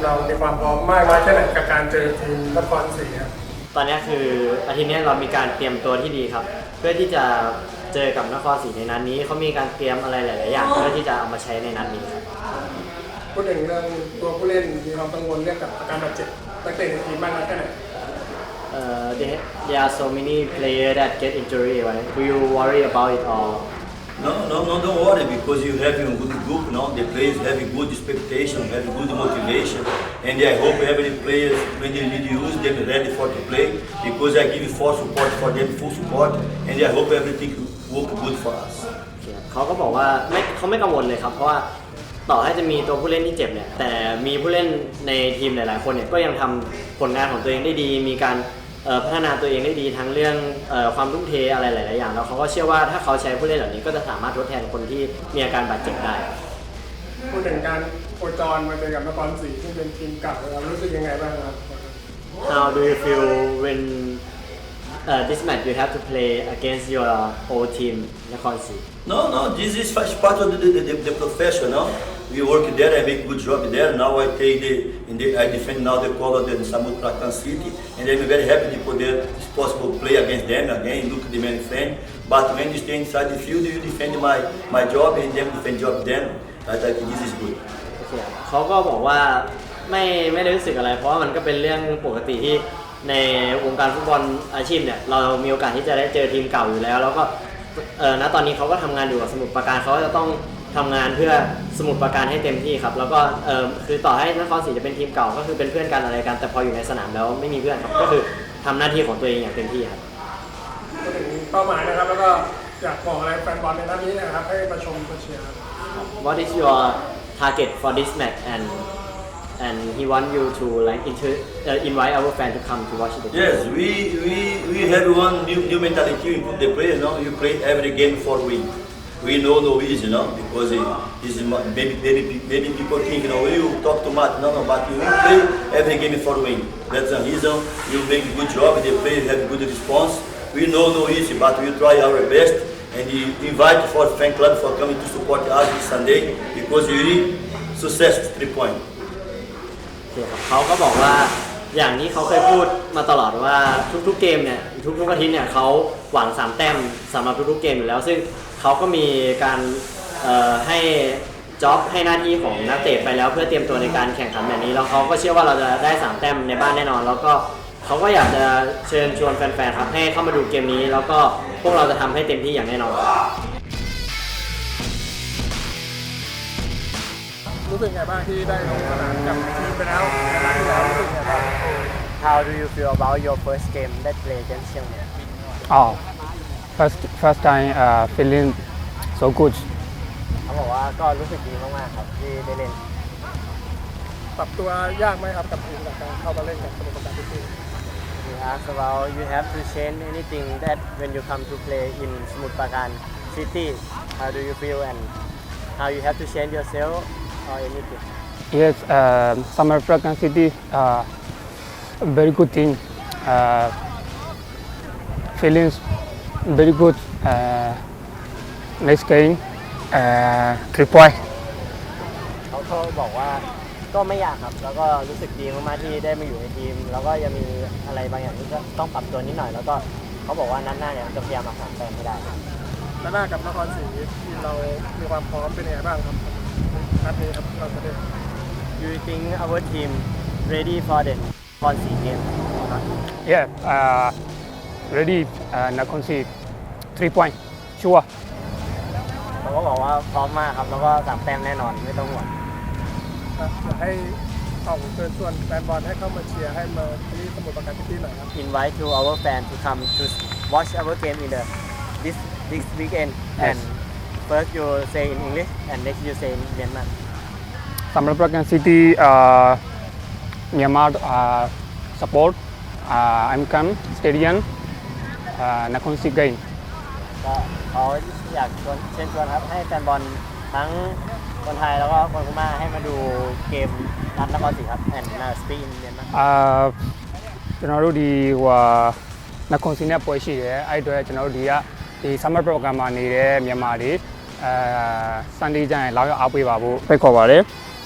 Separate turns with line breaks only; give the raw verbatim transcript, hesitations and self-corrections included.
เรามีความพร้อมมากน้อยแค่ไหนกับการเจอทีมนครศรีครับ
ตอนนี้คืออาทิตย์นี้เรามีการเตรียมตัวที่ดีครับเพื่อที่จะเจอกับนครศรีในนัดนี้เขามีการเตรียมอะไรหลายๆอย่างเพื่อที่จะเอามาใช้ในนัดนี้ครับ
พูดถึงเรื่องตัวผู้เล่นมีความกังวลเรื่องกับอาการบาดเจ็บนักเตะในทีมมากน้อยแค่ไหน
Uh, there, there are so many players that get injury, right? Do you worry about it or?
No, no, no, don't worry because you have a good group now. The players have a good expectation, have a good motivation, and I hope every players when they need use them ready for to play because I give full support for them, full support, and I hope everything work good for us.
เขาก็บอกว่าไม่เขาไม่กังวลเลยครับเพราะว่าต่อให้จะมีตัวผู้เล่นที่เจ็บเนี่ยแต่มีผู้เล่นในทีมหลายๆคนเนี่ยก็ยังทำผลงานของตัวเองได้ดีมีการพัฒนาตัวเองได้ดีทั้งเรื่องความทุ่มเทอะไรหลายๆอย่างแล้วเขาก็เชื่อว่าถ้าเขาใช้ผู้เล่นเหล่านี้ก็จะสามารถทดแทนคนที่มีอาการบาดเจ็บได้
พูดถึงการโคจรมาเจอกับนครศรีที่เป็นทีมเก่าเรารู้สึกยังไงบ้างครับ
How do you feel when uh, this match you have to play against your old team นครศรี
No, no, this is part of the, the, the, the professional. We work there, I make good job there. Now I take the, in the I defend now the color of the Samut Prakan City, and I'm very happy to poder, if possible, play against them again. Look at the man friend. But when you stay inside the field, you defend my my job, and them defend job them. I think this is good.
เขาก็บอกว่าไม่ไม่ได้รู้สึกอะไรเพราะว่ามันก็เป็นเรื่องปกติที่ในวงการฟุตบอลอาชีพเนี่ยเรามีโอกาสที่จะได้เจอทีมเก่าอยู่แล้วแล้วก็เออณตอนนี้เขาก็ทำงานอยู่กับสมุทรปราการเขาจะต้องทำงานเพื่อสมุทรปราการให้เต็มที่ครับแล้วก็เออคือต่อให้นครศรีจะเป็นทีมเก่าก็คือเป็นเพื่อนกันอะไรกันแต่พออยู่ในสนามแล้วไม่มีเพื่อนครับก็คือทำหน้าที่ของตัวเองอย่างเต็มที่ครับ
พูดถึงเป้าหมายนะครับแล้วก็อยากบอกอะไรแฟนบอลในนัดนี้นะครับให้มาชมมาเชียร์
What is your target for this match and and he want you to like inter, uh, invite our fan to come to watch the game.
Yes, we we we have one new new mentality in the players. No, you play every game for win. We know no easy, no, because it, this is maybe maybe maybe people think, you know, you talk too much. No, no, but you play every game for win. That's the reason you make a good job. The players have good response. We know no easy, but we try our best. And we invite for fan club for coming to support us this Sunday because we really success three point.
เขาก็บอกว่าอย่างนี้เขาเคยพูดมาตลอดว่าทุกๆเกมเนี่ยทุกๆอาทิตย์เนี่ยเขาหวังสามแต้มสำหรับทุกๆเกมอยู่แล้วซึ่งเขาก็มีการให้จ็อบให้หน้าที่ของนักเตะไปแล้วเพื่อเตรียมตัวในการแข่งขันแบบนี้แล้วเขาก็เชื่อว่าเราจะได้สามแต้มในบ้านแน่นอนแล้วก็เขาก็อยากจะเชิญชวนแฟนๆครับให้เข้ามาดูเกมนี้แล้วก็พวกเราจะทำให้เต็มที่อย่างแน่นอน
รู้สึกไงบ้างที่ได้ลงสนามกับทีมไปแล้วในนัดที่แล้วรู้สึกไงบ้าง
How do you feel about your first game that play against เชียงใหม่
Oh first first time uh, feeling so good
เขาบอกว่าก็รู้สึกดีมากๆครับที่ได้เล่น
ปรับตัวยากไหมครับกับทีมกับการเข้ามาเล่นกับสมุทรปราการซิตี้
You ask about you have to change anything that when you come to play in สมุทรปราการ City How do you feel and how you have to change yourself or anything
Yes uh, Samut Prakan City uh, very good team uh, feelings very good uh, next game uh, three point
เขาเขาบอกว่าก็ไม่อยากครับแล้วก็รู้สึกดีมากๆที่ได้มาอยู่ในทีมแล้วก็ยังมีอะไรบางอย่างที่ต้องปรับตัวนิดหน่อยแล้วก็เขาบอกว่านัดหน้าเนี่ยจะพยายามมาหาแต้มให้ได้
นัดหน้ากับนครศรีทีมเรามีความพร้อมเป็นยังไงบ้างครับนัดนี้ครับเราจะได้
You think our team ready for the นครศรี game
Yeah uh, ready uh, นครศรี three point sure
เขาก็บอกว่าพร้อมมากครับแล้วก็สามแต้มแน่นอนไม่ต้องห่วง
อยากให้เอาเชิญชวนแฟนบอลให้เข้ามาเชียร์ให้มาที่สมุทรปราการซิตี้หน่อยครับ
Invite to our fan to come to watch our game in the this this weekend and first you say in English and next you say in Myanmar
สำหรับประกันซิตี้เอ่อ Myanmar เอ่อ support เอ่อ I'm come stadium เอ่อนครศรี game
ก็เขาอยากชวนเชิญชวนครับให้แฟนบอลทั้งคนไทยแล้วก็คนพม่าให้มาดูเกมนัดนครศรีครับ and now speak in Myanmar
เอ่อကျွန်တော်တို့ဒီဟိုနခွန်စီနဲ့ပွဲရှိတယ်အဲ့အတွက်ကျွန်တော်တို့ဒီကဒီ summer program မှာနေတဲ့မြန်မာတွေအဲ Sunday ကျရင်လာရောက်အားပေးပါဖို့ဖိတ်ခေါ်ပါတယ်